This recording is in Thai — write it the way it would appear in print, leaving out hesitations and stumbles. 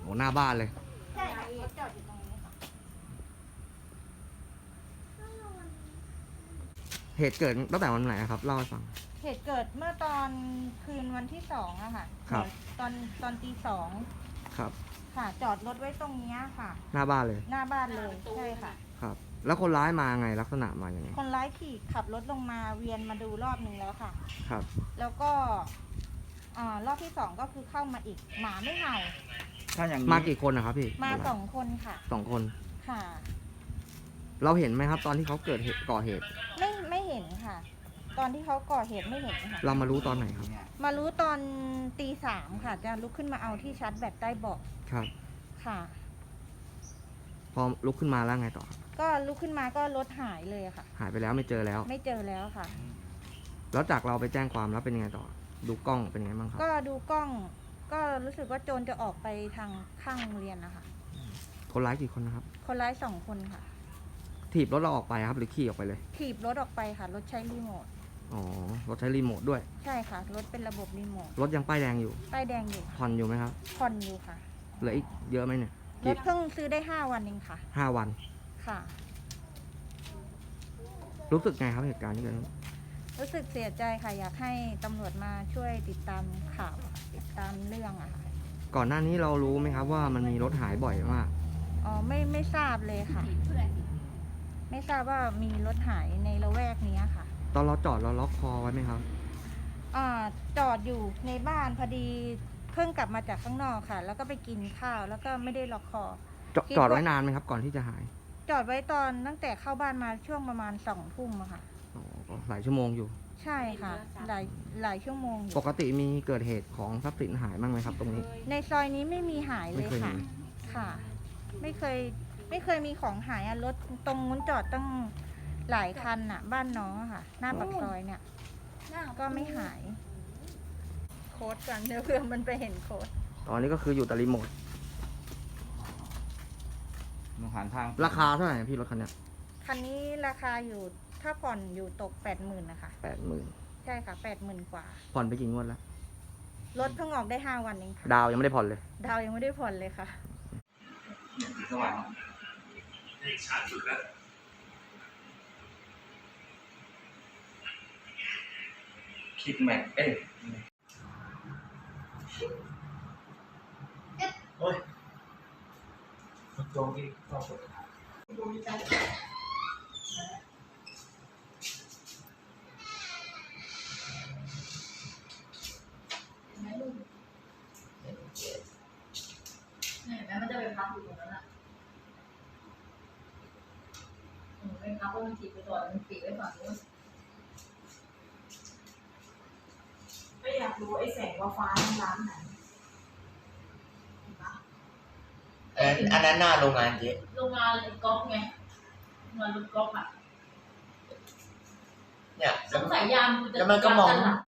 อ้หน้าบ้านเลยใช่ค่ะรถจอดอยู่ตรงนี้ค่ะเหตุเกิดตั้งแต่วันไหนครับเล่าให้ฟังเหตุเกิดเมื่อตอนคืนวันที่2อะค่ะครับตอนตี 2 ครับค่ะ จอดรถไว้ตรงนี้ค่ะหน้าบ้านเลยหน้าบ้านเลยใช่ค่ะครับ แล้วคนร้ายมาไงลักษณะมาอย่างไงคนร้ายขี่ขับรถลงมาเวียนมาดูรอบหนึ่งแล้วค่ะครับแล้วก็รอบที่2ก็คือเข้ามาอีกหมาไม่เห่าถ้าอย่างมากี่คนนะครับพี่มา2 คนค่ะ 2 คนค่ะเราเห็นไหมครับตอนที่เขาเกิดเหตุก่อเหตุไม่เห็นค่ะ ตอนที่เขาก่อเหตุไม่เห็นค่ะเรามารู้ตอนไหนครับมารู้ตอนตี 3ค่ะ จะลุกขึ้นมาเอาที่ชาร์จแบตใต้เบาะครับค่ะพอลุกขึ้นมาแล้วไงต่อก็ลุกขึ้นมาก็รถหายเลยค่ะหายไปแล้วไม่เจอแล้วไม่เจอแล้วค่ะแล้วจากเราไปแจ้งความแล้วเป็นยังไงต่อ ดูกล้องเป็นยังไงบ้างครับก็ดูกล้องก็รู้สึกว่าโจรจะออกไปทางข้างโรงเรียนนะคะคนร้ายกี่คนนะครับคนร้าย2 คนค่ะถีบรถเราออกไปครับหรือขี่ออกไปเลยถีบรถออกไปค่ะ รถใช้รีโมทอ๋อ รถใช้รีโมทด้วยใช่ค่ะ รถเป็นระบบรีโมทรถยังป้ายแดงอยู่ป้ายแดงอยู่ผ่อนอยู่ไหมครับผ่อนอยู่ค่ะเหลืออีกเยอะไหมเนี่ยรถเพิ่งซื้อได้5 วันเองค่ะ 5 วันค่ะรู้สึกไงครับเหตุการณ์ที่เกิดขึ้นรู้สึกเสียใจค่ะ อยากให้ตำรวจมาช่วยติดตามข่าวค่ะติดตามเรื่องอะค่ะก่อนหน้านี้เรารู้ไหมครับว่ามันมีรถหายบ่อยมากอ๋อไม่ทราบเลยค่ะ ไม่ทราบว่ามีรถหายในละแวกนี้ค่ะตอนเราจอดเราล็อกคอไว้ไหมครับจอดอยู่ในบ้านพอดีเพิ่งกลับมาจากข้างนอกค่ะ แล้วก็ไปกินข้าวแล้วก็ไม่ได้ล็อกคอ คิดว่าจอดไว้นานไหมครับ ก่อนที่จะหายจอดไว้ตอนตั้งแต่เข้าบ้านมาช่วงประมาณ2 ทุ่มอะค่ะอ๋อก็หลายชั่วโมงอยู่ใช่ค่ะ หลายชั่วโมงอยู่ปกติมีเกิดเหตุของทรัพย์สินหายบ้างไหมครับ ตรงนี้ในซอยนี้ไม่มีหายเลยไม่เคยค่ะมีค่ะ ไม่เคยมีของหายอะรถตรงนู้นจอดตั้งหลายคันอะบ้านน้องอะค่ะ หน้าปากซอยเนี่ย ก็ไม่หาย โค้ดกันเดี๋ยวเพื่อมันไปเห็นโค้ดตอนนี้ก็คืออยู่แต่รีโมทมองหันทางราคาเท่าไหร่พี่รถคันเนี้ยคันนี้ราคาอยู่ถ้าผ่อนอยู่ตก 80,000นะคะ 80,000 ใช่ค่ะ 80,000 กว่าผ่อนไปกี่งวดแล้วรถเพิ่งออกได้5 วันเองค่ะดาวยังไม่ได้ผ่อนเลยดาวยังไม่ได้ผ่อนเลยค่ะสว่างชัดสุดแล้วคิดแม็กโอ้ยมันโจงที่เข้าสุดเนี่ยแม้มันจะไปพักอยู่ตรงนั้นอ่ะไปพักว่ามันถีบไปก่อนมันปิดไว้ฝั่งนู้นก็อยากรู้ไอ้แสงฟ้าๆร้านไหนอันนั้นหน้าโรงงานเจ๊โรงงานก๊อฟไงโรงงานรถก๊อฟอ่ะเนี่ยสงสัยยามกูจะแล้วมันก็มองรับกันหลั